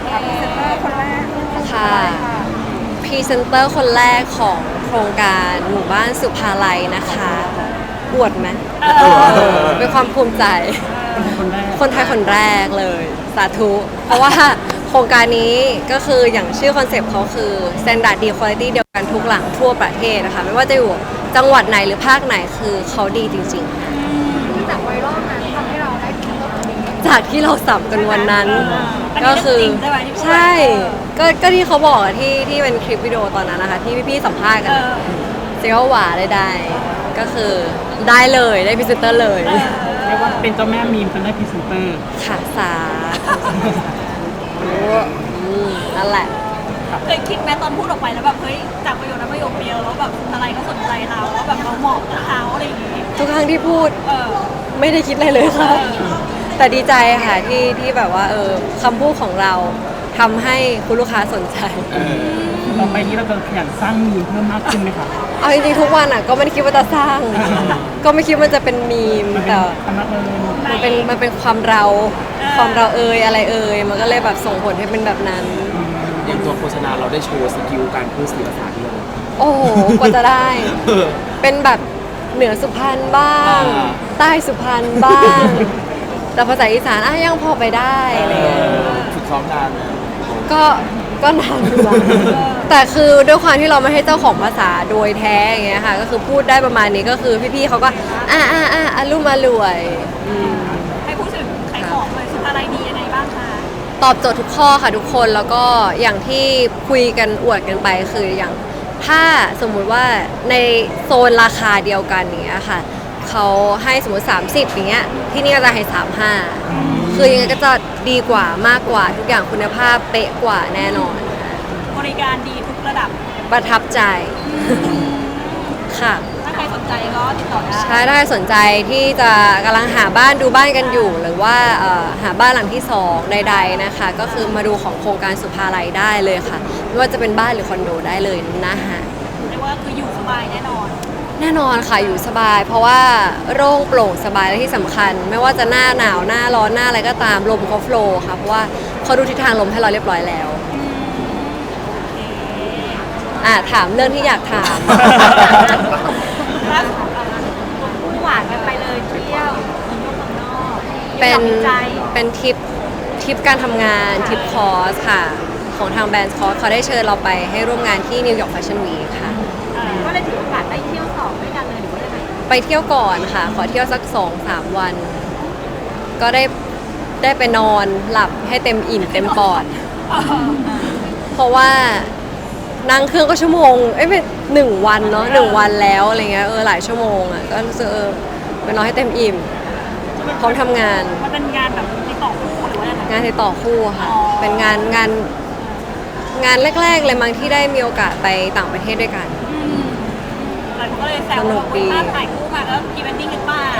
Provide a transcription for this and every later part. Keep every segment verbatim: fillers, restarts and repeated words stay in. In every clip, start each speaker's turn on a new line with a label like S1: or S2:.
S1: ค่ะพรีเซนเตอร์คนแรก
S2: ค่ะพรีเซนเตอร์คนแรกของโครงการหมู่บ้านสุภาลัยนะคะอวดไหมเป็นความภูมิใจ คนไทยคนแรกเลยสาธุเพราะว่าโครงการนี้ก็คืออย่างชื่อคอนเซปต์เขาคือ Standard ดี Quality เดียวกันทุกหลังทั่วประเทศนะคะไม่ว่าจะอยู่จังหวัดไหนหรือภาคไหนคือเขาดีจริงๆ
S1: จากไวรัลนั้นทำให้เราได้พรีเซนเตอร์คนนี้
S2: จากที่เราสับกันวันนั้น ก็คือใช่ก็ก็ที่เขาบอกอะที่ที่เป็นคลิปวิดีโอตอนนั้นนะคะที่พี่ๆสัมภาษณ์กันเซลหวาได้ได้ก็คือได้เลยได้พรีเซนเตอร์เลย
S3: เรียกว่าเป็นเจ้าแม่มีมจนได้พรีเซนเตอร์
S2: ค่ะสาธุนั่นแหละ
S1: เคยคิดไหมตอนพูดออกไปแล้วแบบเฮ้ยจากประโยคนั้นประโยคเดียวแล้วแบบอะไรก็สนใจเราแล้วแบบเราเหมาะกับเขาอะไรอย่างงี้
S2: ทุกครั้งที่พูดไม่ได้คิดอะไรเลยค่ะแต่ดีใจค่ะที่ที่แบบว่าเออคำพูดของเราทำให้คุณลูกค้าสนใจ
S3: ต่อไปนี้เราจะขยันสร้างมีมเพิ่มมากขึ้นไหมคะ
S2: เอาจริงๆทุกวันอ่ะก็ไม่ได้คิดว่าจะสร้างก็ไม่คิดว่าจะเป็นมีมแต่มันเป็นมันเป็นความเราความเราเอ่ยอะไรเอ่ยมันก็เลยแบบส่งผลให้เป็นแบบนั้น
S4: อย่างตัวโฆษณาเราได้โชว์สกิลการพูดสื่อภาษาที่เรา
S2: โอ้โหกว่าจะได้เป็นแบบเหนือสุพรรณบ้างใต้สุพรรณบ้างแต่ภาษาอีสานอ่ะยังพอไปได้อะไรเงี้ย
S4: ฝึกซ้อมนาน
S2: ก็ก็นานอยู่แล้วแต่คือด้วยความที่เราไม่ให้เจ้าของภาษาโดยแท้อย่างเงี้ยค่ะก็คือพูดได้ประมาณนี้ก็คือพี่ๆเขาก็อ่าอ่าอ่าอารมณ์อรวย
S1: ให้พูดถึงขายของเลยสุดอะไรดียังไงบ้างคะ
S2: ตอบโจทย์ทุกข้อค่ะทุกคนแล้วก็อย่างที่คุยกันอวดกันไปคืออย่างถ้าสมมุติว่าในโซนราคาเดียวกันอย่างเงี้ยค่ะเขาให้สมมติสามสิบอย่างเงี้ยที่นี่ก็จะให้สามสิบห้าคือยังไงก็จะดีกว่ามากกว่าทุกอย่างคุณภาพเป๊ะกว่าแน่นอน
S1: บริการดีทุกระดับ
S2: ประทับใจค่ะ
S1: ถ้าใครสนใจก็ติดต่อได้
S2: ใช่ถ้าใครสนใจที่จะกำลังหาบ้านดูบ้านกันอยู่หรือว่าหาบ้านหลังที่สองใดๆนะคะก็คือมาดูของโครงการสุภาลัยได้เลยค่ะไม่ว่าจะเป็นบ้านหรือคอนโดได้เลยนะคะ
S1: เรียกว่าคืออยู่สบายแน่นอน
S2: แน่นอนค่ะอยู่สบายเพราะว่าโล่งโปร่งสบายและที่สำคัญไม่ว่าจะหน้าหนาวหน้าร้อนหน้าอะไรก็ตามลมเขาโฟล์ค่ะเพราะว่าเขาดูทิศทางลมให้เราเรียบร้อยแล้วอ่ะถามเรื่องที่อยากถาม
S1: หวานกันไปเลยเที่ยวเมืองนอกเมืองนอก
S2: เป็นเป็นทริปทริปการทำงานทริปคอร์สค่ะของทางแบรนด์คอร์สเขาได้เชิญเราไปให้ร่วมงานที่นิวยอร์กแฟชั่นวีคค่ะ
S1: ก็เลยถือโอกาสได้เที่ยวต่อด้วยกันเลยหรือว่ายังไง
S2: ไปเที่ยวก่อนค่ะขอเที่ยวสักสองสามวัน ก็ได้ได้ไปนอนหลับให้เต็มอิ่มเต็มปอดเพราะว่านั่งเครื่องก็ชั่วโมงเอ้ยเป็นหนึ่งวันเนาะหนึ่งวันแล้วอะไรเงี้ยเออหลายชั่วโมงอ่ะก็รู้สึกเออไปนอนให้เต็มอิ่มพร้อมทำงาน
S1: มันเป็นงานแบบติดต่อคู่หรือว่า
S2: งานติดต่อคู่ค่ะเป็นงานงานงานแรกๆเลยมั้งที่ได้มีโอกาสไปต่างประเทศด้วยกัน
S1: หลายคนก็เลยแซวว่าภาพถ่ายคู่มาแล้วพรีเวดดิ้งกันป่ะ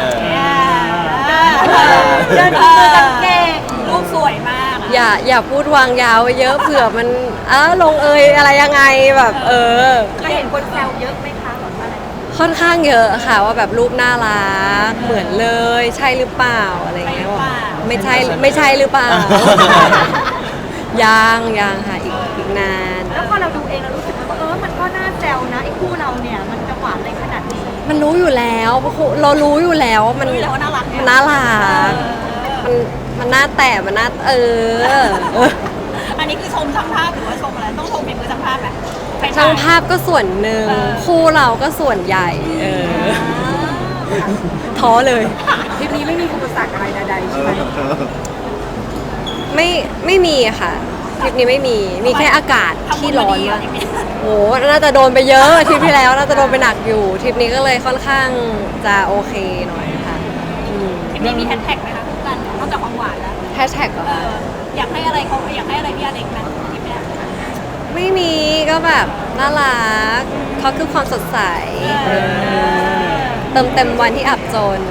S1: เดินมือตั้งเก่งรูปสวยมาก
S2: อย่าอย่าพูดวางยาวไว้เยอะเผื่อมันเออลงเอยอะไรยังไงแบบเออ
S1: ก็เห็นคนแซวเยอะไหมคะแบบอะไร
S2: ค่อนข้างเยอะค่ะว่าแบบรูปน่ารักเหมือนเลยใช่หรือเปล่าอะไรเงี้ยไม่ใช่ไม่ใช่หรือเปล่ายังยังค่ะอีกอีกนาน
S1: แล้วพอเราดูเองเรารู้สึกว่าเออมันก็น่าแซวนะไอ้คู่เราเนี่ยมันจะหวานอะไรขนาดนี้
S2: มันรู้อยู่แล้วเพราะเรารู้อยู่แล้วมัน
S1: น่ารัก
S2: มันน่ารักมันมันน่าแต่มันน่าเออ
S1: อันนี้คือชมช่างภาพหรือว่าชมอะไรต้องชมเป็นมือช่างภาพไหม
S2: ช่างภาพก็ส่วนหนึ่งคู่เราก็ส่วนใหญ่เออท้อเลย
S1: ทริปนี้ไม่มีอุปสรรคอะไรใดๆใช่ไหม
S2: ไม่ไม่มีค่ะทริปนี้ไม่มีมีแค่อากาศที่ร้อนมากโอ้น่าจะโดนไปเยอะทริปที่แล้วน่าจะโดนไปหนักอยู่ทริปนี้ก็เลยค่อนข้างจะโอเคหน่อยค่ะ
S1: ทริปนี้มีแฮชแท็กไหมคะกันนอกจากความหวานแล้ว
S2: แฮชแท็กเหรอ
S1: อยากให้อะไรเขาอยากให้อะไรพี่อเล็กไหมทริปนี้
S2: ไม่มีก็แบบน่ารักเขาคือความสดใสเติมเต็มวันที่อับจน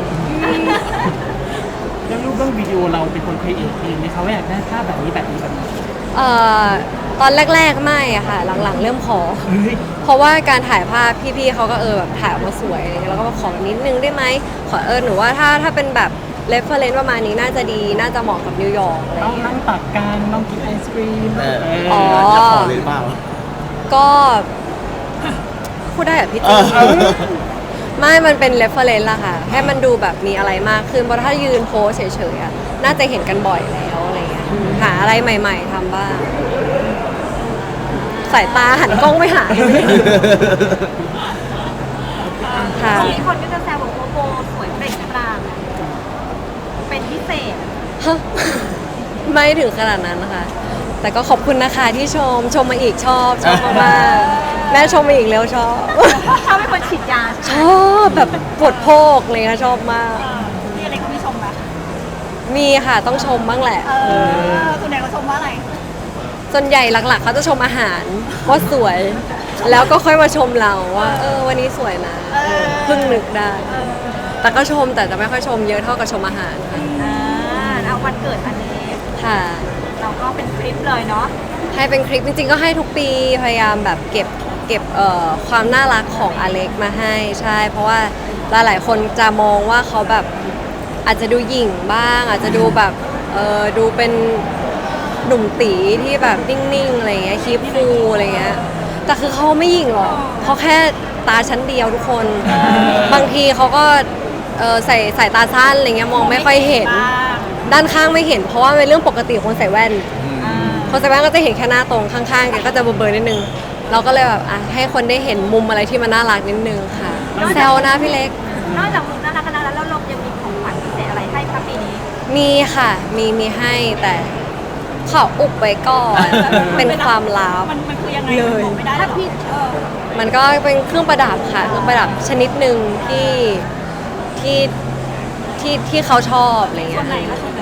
S3: เรื่องรูปเรื่องวิดีโอเราเป็นคนครีเอทเองไหมคะว่าอยากได้ภาพแบบนี้แบบนี้แบบนี้
S2: เอ่อตอนแรกๆไม่อะค่ะหลังๆเริ่มขอเพราะว่าการถ่ายภาพพี่ๆเขาก็เออแบบถ่ายออกมาสวยแล้วก็มาขอนิดนึงได้ไหมขอเออหนูว่าถ้าถ้าเป็นแบบเรฟเฟอเรนซ์ประมาณนี้น่าจะดีน่าจะเหมาะกับนิวยอร์กอะไร
S3: ต้อง
S2: เงี้ย
S3: นั่งตักกันต้องกินไอศครีม
S5: เออ
S3: เอ
S2: อ๋อ
S3: อ
S5: จะขอเลยหรือเปล่า
S2: ก็พูดได้เหรอพี่
S5: เอ
S2: จี
S5: อ
S2: ไม่มันเป็นเรฟเฟอเรนซ์ละค่ะ ให้มันดูแบบมีอะไรมากขึ้น เพราะถ้ายืนโพสเฉยๆอะน่าจะเห็นกันบ่อยแล้วอะไรเงี้ยอืมหาอะไรใหม่ ๆทำบ้าง สายตาหันกล้องไม่หา ค่ะ
S1: ทีนี้คนก็จะแซวบอกว่าโบสวยเปล่งปลั่งเป็นพิเศษ
S2: ฮะไม่ถึงขนาดนั้นนะคะ แต่ก็ขอบคุณนะคะที่ชม ชมมาอีกชอบ ชอบมากๆแม่ชมมาอีกแล้วชอบ
S1: เขาเป็นคนฉีดยา
S2: ชอบแบบปวดโพกเลยค่ะชอบมาก
S1: พี่อะไรก็ไม่ชมนะ
S2: มีค่ะต้องชมบ้างแหละ
S1: เออส่วนใหญ่เขาชมว่าอะไร
S2: ส่วนใหญ่หลักๆเขาจะชมอาหารว่าสวย แล้วก็ค่อยมาชมเราว่าเออวันนี้สวยนะ
S1: เออ
S2: เพิ่งนึกได้ แต่ก็ชมแต่จะไม่ค่อยชมเยอะเท่ากับชมอาหารค่ะ
S1: อ่าเอาวันเกิดอันนี้
S2: ค่ะ
S1: เราก็เป็นคลิปเลยเนาะ
S2: ให้เป็นคลิปจริงๆก็ให้ทุกปีพยายามแบบเก็บเก็บเอ่อความน่ารักของอเล็กมาให้ใช่ เพราะว่าหลายๆคนจะมองว่าเขาแบบอาจจะดูหยิ่งบ้าง อาจจะดูแบบเออดูเป็นหนุ่มตีที่แบบนิ่งๆอะไรเงี้ยคีบคูลอะไรเงี้ยแต่คือเขาไม่หยิ่งหรอกเขาแค่ตาชั้นเดียวทุกคน บางทีเขาก็เออใส่ใส่ตาสั้นอะไรเงี้ยมองไม่ค่อยเห็น
S1: บ้าง
S2: ด้านข้างไม่เห็น เพราะว่าเป็นเรื่องปกติของคนใส่แว่น
S1: อ่า
S2: คนใส่แว่นก็จะเห็นแค่หน้าตรงข้างๆแกก็จะเบลอๆนิดนึง เราก็เลยแบบอ่ะให้คนได้เห็นมุมอะไรที่มันน่ารักนิดนึงค่ะแซวนะพี่เล็ก
S1: นอกจากมุมน่ารักกันแล้วแล้วเรายังมีของขวัญพิเศษอะไรให้ครับปีนี้
S2: มีค่ะ มีมีให้แต่ขออุบไว้ก่อน เป็นความลับ
S1: มันมันคือยังไง
S2: เลย
S1: บอกไม่ได้ถ้าพี่เออ
S2: มันก็เป็นเครื่องประดับค่ะ เครื่องประดับชนิดหนึ่งที่ที่ที่ที่เขาชอบอะไร
S1: ส่
S2: เงี้
S1: วน
S2: ย
S1: ไหนก็ส่วนไหน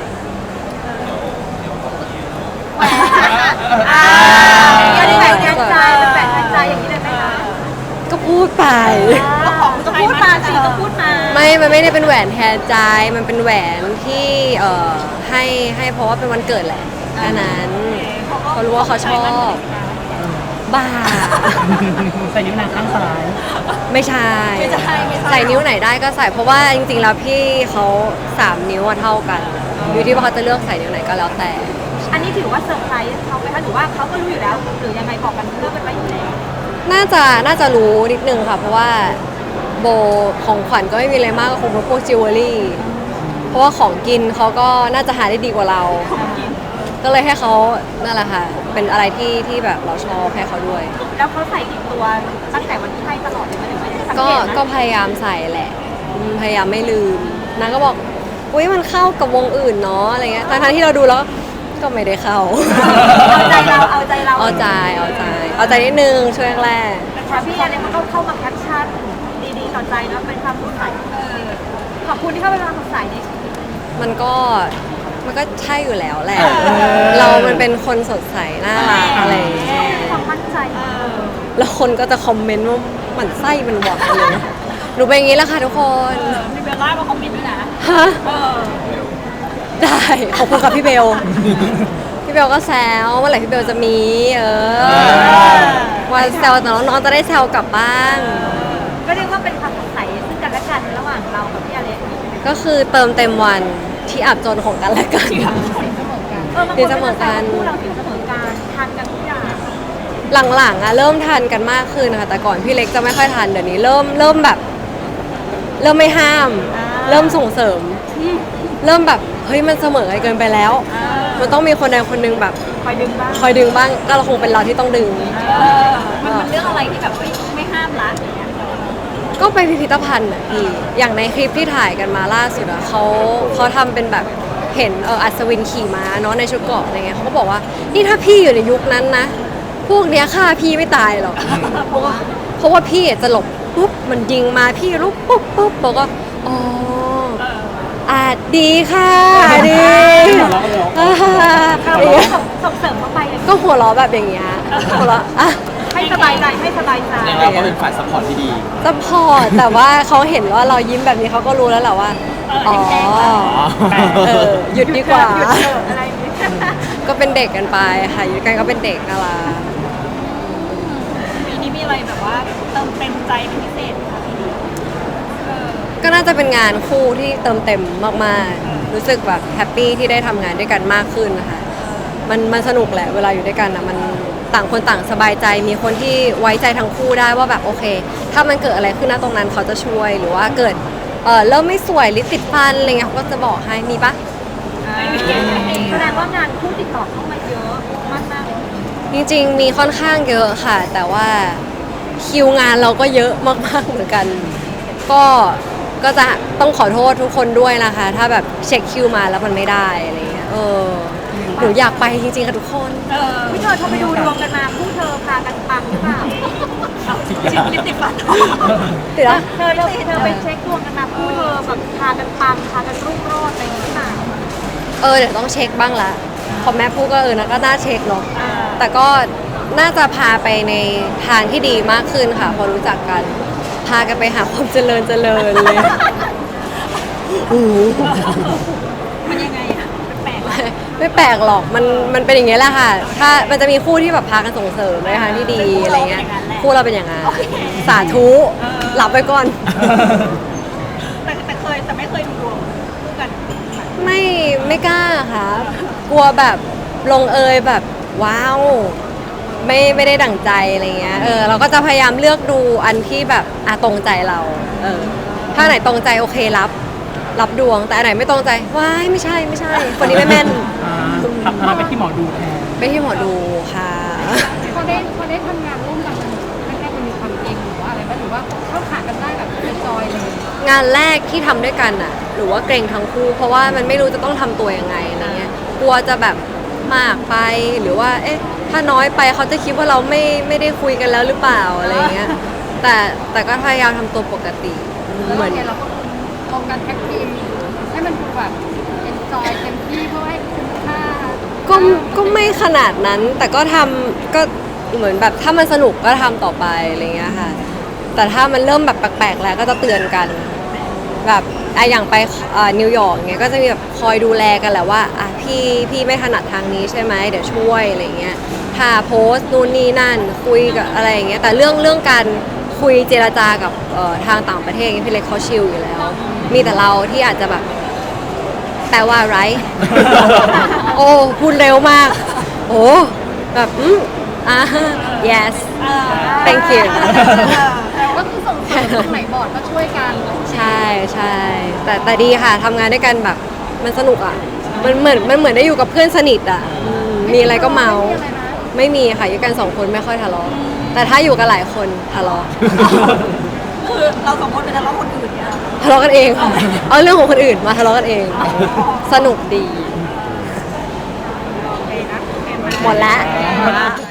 S1: แหวนอ่าอันนี้แหวนแทนใจเป็นแหวนแทนใจอย่างนี้เลยไหมคะ
S2: ก็พูดไป
S1: ก็ของก็พูดมาสิก็พูดมา
S2: ไม่ มันไม่ได้เป็นแหวนแทนใจ มันเป็นแหวนที่เอ่อให้ให้เพราะว่าเป็นวันเกิดแหละแค่นั้นเขารู้ว่าเขาชอบ บ้า
S3: ใส่นิ้วนางข้างซ้าย
S2: ไม่ใช่
S1: ไม่ใช่ไม่ใช่
S2: ใส่นิ้วไหนได้ก็ใส่ เพราะว่าจริงๆแล้วพี่เขาสามนิ้วอะเท่ากัน อยู่ที่ว่าเขาจะเลือกใส่นิ้วไหนก็แล้วแต่
S1: อันนี้ถือว่าเซอร์ไพรส์เขาไหมคะหรือว่าเขาก็รู้อยู่แล้ว หรือยังไงบอกกันเลิกกันไปอยู่แล้ว
S2: น่าจะน่าจะรู้นิดนึงค่ะ เพราะว่าโบของขวัญก็ไม่มีอะไรมากก็คงเป็นพวกจิวเวลรี่ เพราะว่าของกินเขาก็น่าจะหาได้ดีกว่าเรา ก็เลยให้เขานั่นแหละค่ะ เป็นอะไรที่ที่แบบเราชอบให้เขาด้วย
S1: แล้วเขาใส่ติดตัวตั้งแต่วันที่ให้ตลอดเลยไหมหรือไม่ได้สัง
S2: ก็
S1: เกตนะ
S2: ก็พยายามใส่แหละอืมพยายามไม่ลืมนางก็บอกอุ้ยมันเข้ากับวงอื่นเนาะอะไรเงี้ยทั้งๆที่เราดูแล้วก็ไม่ได้เข้า
S1: เอาใจเราเอาใจเรา
S2: เอาใจเอาใจเอาใจนิดนึงช่วงแรก
S1: แต่พี่อะไรมันก็เข้ามาแคปชั่นดีๆต่อใจเนาะเป็นความสดใสขอบคุณที่เข้าไปความสดใสในชีวิต
S2: มันก็มันก็ใช่อยู่แล้วแหละ เรามันเป็นคนสดใสน่ารักอะไรอย่างเงี้ย
S1: ความมั่นใจ
S2: แล้วคนก็จะคอมเมนต์ว่าหมันไส้มันหวานเลยหนูเป็นอย่างนี้แหละค่ะทุกคน
S1: มีเบลล่ามาคอมเมนต์ด้วยนะ
S2: ฮะ
S1: เออ
S2: ได้ขอบคุณกับพี่เบล พี่เบลก็แซวเมื่อไหร่พี่เบลจะมี เออว่าแซวแต่น้องๆจะได้แซวกลับบ้าง
S1: ก็เรียกว่าเป็นความสดใสซึ่งกันและกันระหว่างเรากับพี่อเล็ก
S2: ก็คือเติมเต็มวันที่อับจนของกันและกัน
S1: เออบางคนก็จะแซวว่าคู่เราถึงเสมอการทานกันทุกอย่าง
S2: หลังๆอะเริ่มทานกันมากขึ้นนะคะแต่ก่อนพี่เล็กจะไม่ค่อยทานเดี๋ยวนี้เริ่มเริ่มแบบ เริ่มไม่ห้าม เริ่มส่งเสริม เริ่มแบบเฮ้ยมันเสมอกันเกินไปแล้ว มันต้องมีคนใดคนหนึงแบบ
S1: คอยดึงบ้าง
S2: คอยดึงบ้างก็เราคงเป็นเราที่ต้องดึง
S1: มันเป็นเรื่องอะไรที่แบบเฮ้ยไม่ห้ามละอย่างเงี้ย
S2: ก็ไปพิพิธภัณฑ์อะพี่อย่างในคลิปที่ถ่ายกันมาล่าสุดอะเขาเขาทำเป็นแบบเห็นเอออัศวินขี่ม้าเนาะในชุดเกราะอะไรเงี้ยเขาก็บอกว่านี่ถ้าพี่อยู่ในยุคนั้นนะ พวกเนี้ยฆ่าพี่ไม่ตายหรอกเพราะว่าเพราะว่าพี่อะจะหลบปุ๊บมันยิงมาพี่ลุกปุ๊บปุ๊บบอกว่าอ๋ออาจดีค่ะดีอ่า
S1: เราก็ส่งส่งเสริมเข้าไปเลย
S2: ก็หัวเราะแบบอย่างเงี้ยหัวเราะอ่ะ
S1: ให้สบายใจให้สบายใจ
S5: เราก็เป็นฝ่ายซัพพอร์ตที่ดี
S2: ซัพพอร์ตแต่ว่าเขาเห็นว่าเรายิ้มแบบนี้เขาก็รู้แล้วแหละว่าอ๋อเออหยุดดีกว่า
S1: หยุดเถอะอะไรอย่างเงี้ย
S2: ก็เป็นเด็กกันไปค่ะอยู่กันก็เป็นเด็กน่ารัก
S1: ปีนี้มีอะไรแบบว่าเติมเต็มใจเป็นพิเศษไหมคะปีนี้เออ
S2: ก็ก็น่าจะเป็นงานคู่ที่เติมเต็มมากๆ รู้สึกแบบแฮปปี้ที่ได้ทำงานด้วยกันมากขึ้นนะคะมันมันสนุกแหละเวลาอยู่ด้วยกันนะมันต่างคนต่างสบายใจมีคนที่ไว้ใจทั้งคู่ได้ว่าแบบโอเค ถ้ามันเกิดอะไรขึ้นนะตรงนั้นเขาจะช่วย หรือว่าเกิดเออเริ่มไม่สวยลิปติดฟันอะไรเงี้ยเขาก็จะบอกให้มีปะ
S1: แสดงว่างานคู่ติดต่อเข้ามาเยอะมากมาก
S2: จริงๆ มีค่อนข้างเยอะค่ะ แต่ว่าคิวงานเราก็เยอะมากๆเหมือนกัน ก็ก็จะต้องขอโทษทุกคนด้วยนะคะ ถ้าแบบเช็คคิวมาแล้วมันไม่ได้อะไรเงี้ยเออหนูอยากไปจริงๆค่ะทุกคน
S1: เออพี่เธอเธอไปดูดวงกันมาคู่เธอพากันปังหรือเปล่าชิลิปติดฟัน
S2: ติดแล้ว
S1: เธอเธอเธอไปเช็คดวงกันมาคู่เธอแบบพากันปังพากันรุ่งโรจน์อะไรอย่างนี้หรือเปล่า
S2: เออเดี๋ยวต้องเช็คบ้างละพอแม่พูดก็เออนะก็น่าเช็คเนาะ
S1: อ่า
S2: แต่ก็น่าจะพาไปในทางที่ดีมากขึ้นค่ะ พอรู้จักกัน พากันไปหาความเจริญเจริญเลยโอ้โห
S1: มันยังไงอะแปลกๆอะ
S2: ไม่แปลกหรอก มัน มันเป็นอย่างเงี้ยแหละค่ะ ถ้า มันจะมีคู่ที่แบบพากันส่งเสริมในทางที่ดีอะไรเงี้ย คู่เราเป็นอย่างนั้น สาธุหลับไปก่อน
S1: แต่แต่เคยแต่ไม่เคยดูดวงคู่กัน
S2: ไม่ ไม่กล้าค่ะ กลัวแบบลงเอยแบบว้าว ไม่ ไม่ได้ดั่งใจอะไรเงี้ย เออ เราก็จะพยายามเลือกดูอันที่แบบอ่ะตรงใจเรา เออ ถ้าไหนตรงใจโอเครับ รับดวง แต่อันไหนไม่ตรงใจ ว้าย ไม่ใช่ ไม่ใช่ คนนี้ไม่แม่น
S3: อ่าทำทำไปที่หมอดูแทน
S2: ไปที่หมอดูค่ะ
S6: พอได้พอได้ทำงานร่วมกันมันแรกๆมันมีความเก่งหรือว่าอะไรบ้างหรือว่าเข้าขากันได้แบบเป็นจอยเลย
S2: งานแรกที่ทำด้วยกันอะหรือว่าเกรงทั้งคู่ เพราะว่ามันไม่รู้จะต้องทำตัวยังไงอะไรเงี้ยกลัวจะแบบมากไปหรือว่า เอ๊ะ ถ้าน้อยไปเขาจะคิดว่าเราไม่ไม่ได้คุยกันแล้วหรือเปล่าอะไรเงี้ยแต่แต่ก็พยายามทำตัวปกติ
S6: แล้ว
S2: เหมือน
S6: เนี่ยเราก็ลงกันแท็กทีมให้มันดูแบบเป็นจอยเต็มที่เพื่อให้คุ้มค่า
S2: ก็ก็ไม่ขนาดนั้น แต่ก็ทำก็เหมือนแบบถ้ามันสนุกก็ทำต่อไปอะไรเงี้ยค่ะ แต่ถ้ามันเริ่มแบบแปลกๆแล้วก็จะเตือนกัน แบบอะอย่างไปเอ่อนิวยอร์กเงี้ยก็จะมีแบบคอยดูแลกันแหละว่าอ่ะพี่พี่ไม่ถนัดทางนี้ใช่ไหมเดี๋ยวช่วยอะไรเงี้ยถ้าโพสต์นู่นนี่นั่นคุยกับอะไรอย่างเงี้ยแต่เรื่องเรื่องการคุยเจรจากับเอ่อทางต่างประเทศพี่เล็กเขาชิลอยู่แล้ว มีแต่เราที่อาจจะแบบแปลว่าอะไร โอ้พูดเร็วมาก โอ้แบบอืมอ่า yes thank you
S6: ก็คือส่งเสริมตรงไหนบอร์ดก็ช่วยกัน
S2: ใช่ใช่แต่แต่ดีค่ะทำงานด้วยกันแบบมันสนุกอ่ะ มันเหมือนมันเหมือนได้อยู่กับเพื่อนสนิทอ่ะอืมมีอะไรก็เมา
S6: ไม่มีอะไรนะ
S2: ไม่มีค่ะอยู่กันสองคนไม่ค่อยทะเลาะแต่ถ้าอยู่กันหลายคนทะเลาะ
S1: คือเราสองคนเป็นทะเลาะคนอื่นเนี่ย
S2: ทะเลาะกันเองค่ะเอาเรื่องของคนอื่นมาทะเลาะกันเอง สนุกดี
S1: โอเคนะโอเคไหม
S2: หมดแล้ว
S1: หมดละ